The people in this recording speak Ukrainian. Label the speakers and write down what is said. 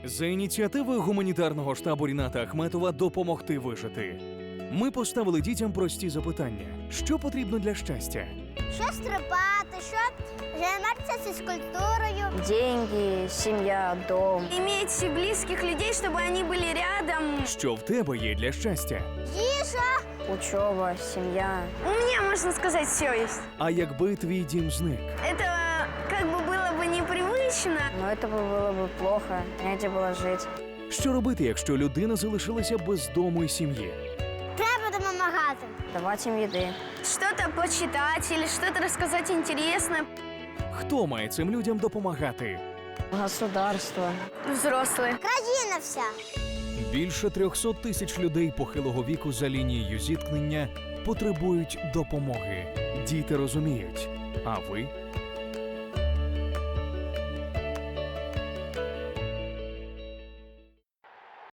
Speaker 1: За ініціативою гуманітарного штабу Ріната Ахметова «Допомогти вижити» ми поставили дітям прості запитання. Що потрібно для щастя?
Speaker 2: Що стрибати, що займатися фізкультурою.
Speaker 3: Деньги, семья, дом.
Speaker 4: Иметь близких людей, чтобы они были рядом.
Speaker 1: Що в тебе є для щастя?
Speaker 2: Їжа.
Speaker 3: Учеба, семья.
Speaker 4: У меня, можно сказать, все есть.
Speaker 1: А якби твій дім зник?
Speaker 4: Это как бы было бы непривычно.
Speaker 3: Но это было бы плохо, негде было жить.
Speaker 1: Що робити, якщо людина залишилася без дому і сім'ї?
Speaker 2: Треба допомагати.
Speaker 3: Давать им еды.
Speaker 4: Что-то почитать или что-то рассказать интересное.
Speaker 1: Хто має цим людям допомагати?
Speaker 3: Государство.
Speaker 4: Взрослые.
Speaker 2: Країна вся.
Speaker 1: Більше 300 тисяч людей похилого віку за лінією зіткнення потребують допомоги. Діти розуміють. А ви?